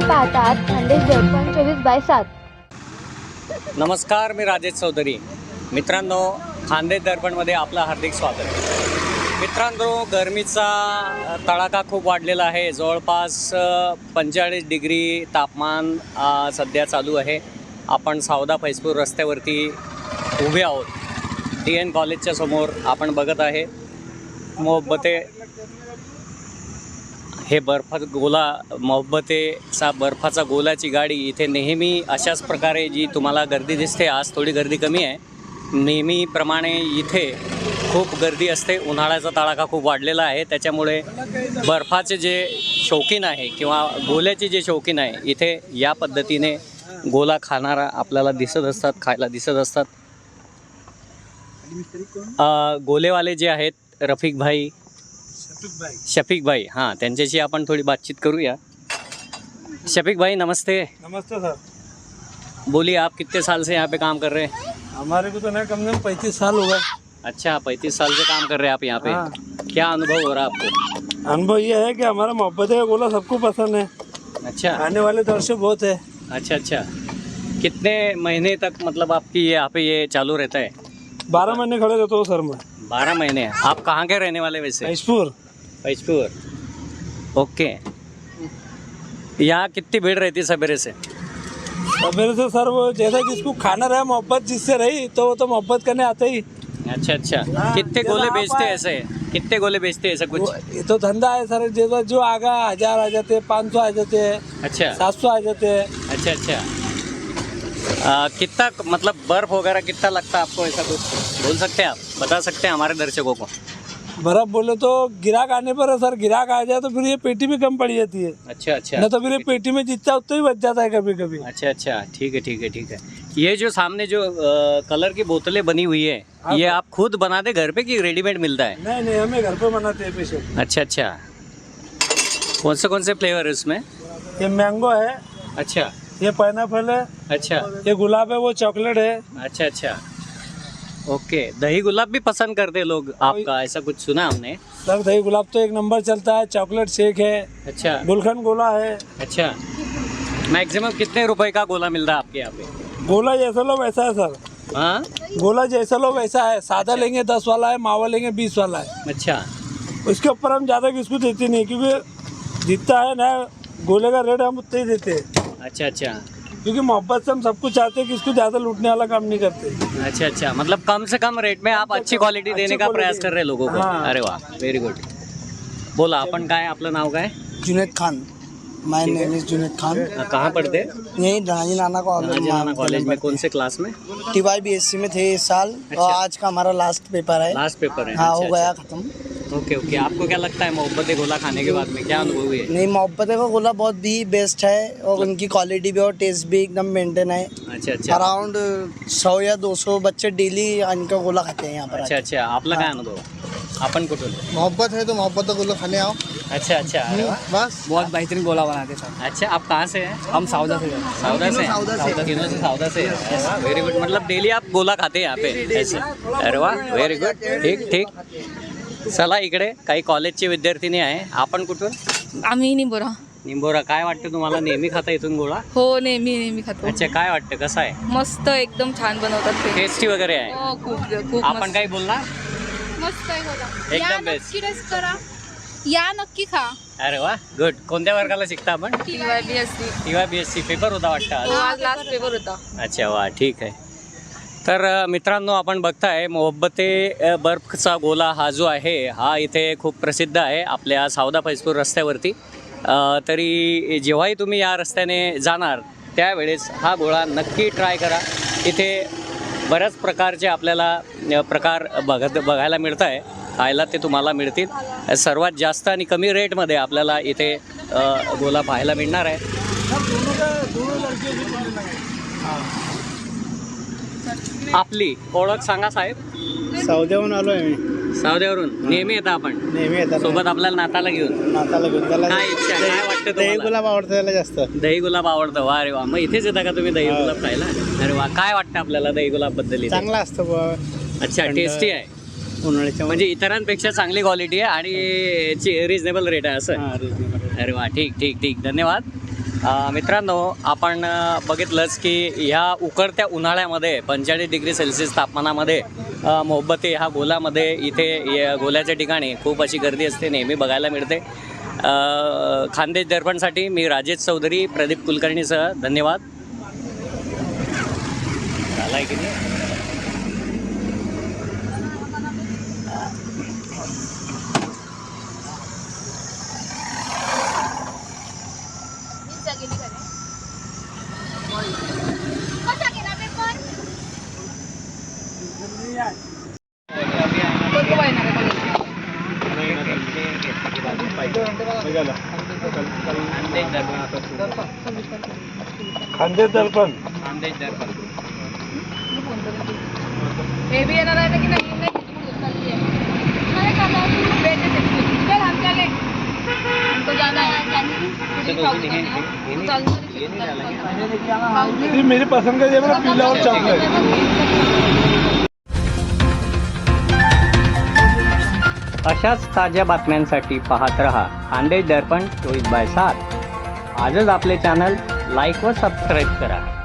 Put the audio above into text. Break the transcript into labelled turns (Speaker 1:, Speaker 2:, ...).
Speaker 1: पाहतात खानदेश दर्पण 24/7.
Speaker 2: नमस्कार, मी राजेश चौधरी. मित्रांनो, खानदेश दर्पणमध्ये आपलं हार्दिक स्वागत. मित्रांनो, गरमीचा तडाखा खूप वाढलेला आहे. जवळपास 45 डिग्री तापमान सध्या चालू आहे. आपण सावदा फैजपूर रस्त्यावरती उभे आहोत. DN कॉलेजच्या समोर आपण बघत आहे मोहब्बते हे मोहब्बतेचा बर्फाचा गोलाची गाडी इथे नेहमी अशाच प्रकारे जी तुम्हाला गर्दी दिसते. आज थोडी गर्दी कमी आहे. नेहमीप्रमाणे इथे खूप गर्दी असते. उन्हाळ्याचा तडाखा खूप वाढलेला आहे, त्याच्यामुळे बर्फाचे जे शौकीन आहे किंवा गोल्याचे जे शौकीन आहे इथे या पद्धतीने गोला खाणारा आपल्याला दिसत असतात, खायला दिसत असतात. गोलेवाले जे आहेत शफीक भाई, हाँ, त्यांच्याशी आपण थोड़ी बातचीत करूया. शफीक भाई नमस्ते.
Speaker 3: नमस्ते सर.
Speaker 2: बोलिए, आप कितने साल से यहाँ पे काम कर रहे हैं?
Speaker 3: हमारे को तो नहीं, कम से कम 35 साल हो गए.
Speaker 2: अच्छा, 35 साल से काम कर रहे हैं आप यहाँ पे.
Speaker 3: हाँ.
Speaker 2: क्या अनुभव हो रहा है आपको?
Speaker 3: अनुभव ये है कि हमारा मोहब्बत का गोला सबको पसंद है.
Speaker 2: अच्छा,
Speaker 3: आने वाले दर्शक बहुत है.
Speaker 2: अच्छा अच्छा. कितने महीने तक मतलब आपकी यहाँ पे ये चालू रहता है?
Speaker 3: 12 महीने खड़े रहता हूँ सर मैं.
Speaker 2: 12 महीने. आप कहाँ के रहने वाले वैसे?
Speaker 3: फैजपुर.
Speaker 2: ओके. यहाँ कितनी भीड़ रहती है सवेरे से?
Speaker 3: मेरे से सर वो जैसा जिसको खाना रहा मोहब्बत जिससे रही तो वो तो मोहब्बत करने आते ही.
Speaker 2: अच्छा अच्छा.
Speaker 3: हाँ,
Speaker 2: कितने
Speaker 3: जैसा
Speaker 2: गोले
Speaker 3: आप
Speaker 2: बेचते हैं
Speaker 3: आए.
Speaker 2: ऐसे? कितने गोले बेचते हैं ऐसा कुछ?
Speaker 3: ये तो धंधा है सर. जैसा जो आगा 1000 आ जाते, 500 आ जाते,
Speaker 2: अच्छा
Speaker 3: 700 आ जाते.
Speaker 2: अच्छा अच्छा. कितना मतलब बर्फ वगैरह कितना लगता है आपको, ऐसा कुछ बोल सकते हैं आप, बता सकते हैं हमारे दर्शकों को?
Speaker 3: बर्फ बोले तो गिराक आने पर है सर. गिराक आ जाए तो फिर ये पेटी भी कम पड़ जाती है.
Speaker 2: अच्छा अच्छा.
Speaker 3: न तो फिर ये पेटी में जितना उतना ही बच जाता है कभी कभी.
Speaker 2: अच्छा अच्छा, ठीक है ठीक है ठीक है. ये जो सामने जो कलर की बोतलें बनी हुई है,
Speaker 3: हाँ,
Speaker 2: ये
Speaker 3: सर.
Speaker 2: आप खुद बनाते घर पे कि रेडीमेड मिलता है?
Speaker 3: नहीं नहीं, हमें घर पे बनाते हैं पेशे.
Speaker 2: अच्छा अच्छा. कौन से फ्लेवर है इसमें?
Speaker 3: ये मैंगो है,
Speaker 2: अच्छा
Speaker 3: ये पाइनएप्पल है,
Speaker 2: अच्छा
Speaker 3: ये गुलाब है, वो चॉकलेट है.
Speaker 2: अच्छा अच्छा. ओके. दही गुलाब भी पसंद करते हैं लोग आपका, ऐसा कुछ सुना हमने.
Speaker 3: सर दही गुलाब तो एक नंबर चलता है. चॉकलेट शेक है,
Speaker 2: अच्छा
Speaker 3: गुलखंड गोला है.
Speaker 2: अच्छा. मैक्सिमम कितने रुपए का गोला मिल रहा है आपके यहाँ पे?
Speaker 3: गोला जैसा लो वैसा है सर.
Speaker 2: हाँ.
Speaker 3: गोला जैसा लो वैसा है. सादा लेंगे 10 वाला है, मावा लेंगे 20 वाला है.
Speaker 2: अच्छा
Speaker 3: उसके ऊपर हम ज़्यादा किसको देते नहीं, क्योंकि जितना है ना गोले का रेट हम उतना ही देते हैं.
Speaker 2: अच्छा अच्छा.
Speaker 3: क्योंकि मोहब्बत से हम सब कुछ चाहते हैं कि इसको ज़्यादा लूटने वाला काम नहीं करते.
Speaker 2: अच्छा अच्छा. मतलब कम से कम रेट में आप अच्छी क्वालिटी देने का प्रयास कर रहे हैं लोगों को.
Speaker 3: हाँ.
Speaker 2: अरे वाह, व्हेरी गुड. बोला, आपण काय, आपलं नाव काय?
Speaker 4: Juned Khan. My name is Juned Khan.
Speaker 2: कहाँ पढ़ते?
Speaker 4: यही राजी नाना
Speaker 2: कॉलेज में. कौन से क्लास में?
Speaker 4: TYBSC में थे इस साल.
Speaker 2: अच्छा.
Speaker 4: और आज का हमारा लास्ट पेपर है.
Speaker 2: लास्ट पेपर है.
Speaker 4: हाँ,
Speaker 2: अच्छा,
Speaker 4: हो गया
Speaker 2: अच्छा.
Speaker 4: खत्म.
Speaker 2: Okay okay. आपको क्या लगता है मोहब्बत गोला खाने के बाद में क्या अनुभव हुए?
Speaker 4: नहीं, मोहब्बत का गोला बहुत भी बेस्ट है और उनकी क्वालिटी भी और टेस्ट भी एकदम मेंटेन है.
Speaker 2: अच्छा अच्छा.
Speaker 4: अराउंड 100 या 200 बच्चे डेली इनका गोला खाते हैं यहाँ पर.
Speaker 2: अच्छा अच्छा. आपला काय अनुभव? आपण कुठून?
Speaker 4: मोहब्बत है तो मोहब्बत का गोला खाने आओ.
Speaker 2: अच्छा अच्छा. अरे वाह.
Speaker 4: बस.
Speaker 5: बहुत बेहतरीन गोला बनाते सर.
Speaker 2: अच्छा, आप कहाँ से हैं?
Speaker 5: हम साउदा से हैं.
Speaker 2: सावदा से.
Speaker 4: तीनों
Speaker 2: सावदा से. Very good. मतलब डेली आप गोला खाते हैं यहाँ पे ऐसे? अरे वाह, व्हेरी गुड. ठीक ठीक. चला, इकडे काही कॉलेजचे विद्यार्थिनी आहे. आपण कुठून?
Speaker 6: आम्ही निंबोरा.
Speaker 2: निंबोरा. काय वाटतं तुम्हाला, नेहमी खाता इथून गोळा?
Speaker 6: हो, नेहमी खातो.
Speaker 2: अच्छा, काय वाटतं, कसं आहे?
Speaker 6: मस्त, एकदम छान बनवतात ते.
Speaker 2: टेस्टी वगैरे आहे?
Speaker 6: हो, खूप
Speaker 2: आपण
Speaker 6: मस्त.
Speaker 2: काही बोलणार?
Speaker 7: मस्त आहे गोला.
Speaker 2: एकदम
Speaker 7: या
Speaker 2: बेस्ट.
Speaker 7: नक्की टेस्ट करा. या नक्की खा.
Speaker 2: अरे वा, गुड. कोणत्या वर्गाला शिकता आपण?
Speaker 6: TYBSC.
Speaker 2: TYBSC. पेपर होता वाटतं आज?
Speaker 6: हो, आज लास्ट पेपर होता.
Speaker 2: अच्छा, वा, ठीक आहे. तर मित्रांनो, आपण बघताय मोहब्बते बर्फचा गोला हा जो आहे हा इथे खूप प्रसिद्ध आहे आपल्या सावदा फैजपूर रस्त्यावरती. तरी जेव्हाही तुम्ही या रस्त्याने जाणार त्यावेळेस हा गोळा नक्की ट्राय करा. इथे बऱ्याच प्रकारचे आपल्याला प्रकार बघायला मिळत आहे. खायला ते तुम्हाला मिळतील. सर्वात जास्त आणि कमी रेटमध्ये आपल्याला इथे गोला पाहायला मिळणार आहे. आपली ओळख सांगा साहेब.
Speaker 4: सावदेहून आलो आहे मी.
Speaker 2: सावदेवरून. नेहमी येतं आपण?
Speaker 4: नेहमी येतात.
Speaker 2: सोबत आपल्याला नाताला घेऊन?
Speaker 4: नाताला घेऊन. त्याला
Speaker 2: काय इच्छा, काय वाटतं
Speaker 4: दही
Speaker 2: तुम्हाला?
Speaker 4: गुलाब आवडतं त्याला जास्त.
Speaker 2: दही गुलाब आवडतं. वा रे वा. मग इथेच येता का तुम्ही दही गुलाब खायला? अरे वा. काय वाटतं आपल्याला दही गुलाब बद्दल?
Speaker 4: चांगला असतं बुवा.
Speaker 2: अच्छा, टेस्टी आहे.
Speaker 4: उन्हाळ्याच्या
Speaker 2: म्हणजे इतरांपेक्षा चांगली क्वालिटी आहे आणि रिजनेबल रेट आहे असं? अरे वा, ठीक ठीक ठीक. धन्यवाद. मित्रांनो आपण बघितलंच की ह्या उकडत्या उन्हाळ्यामध्ये 45 डिग्री सेल्सिअस तापमानामध्ये मोहब्बते ह्या गोलामध्ये इथे गोल्याच्या ठिकाणी खूप अशी गर्दी असते, नेहमी बघायला मिळते. खानदेश दर्पणसाठी मी राजेश चौधरी, प्रदीप कुलकर्णीसह धन्यवाद. झाला आहे की नाही?
Speaker 3: खानदेश दर्पण
Speaker 6: हे बी येणार आहे की नाही
Speaker 3: ती मेरी पसंद का जेवढा पिला और चॉकलेट.
Speaker 2: अशाच ताज्या बातम्यांसाठी पाहत रहा खानदेश दर्पण 24/7. आजच आपले चॅनल लाईक व सबस्क्राईब करा.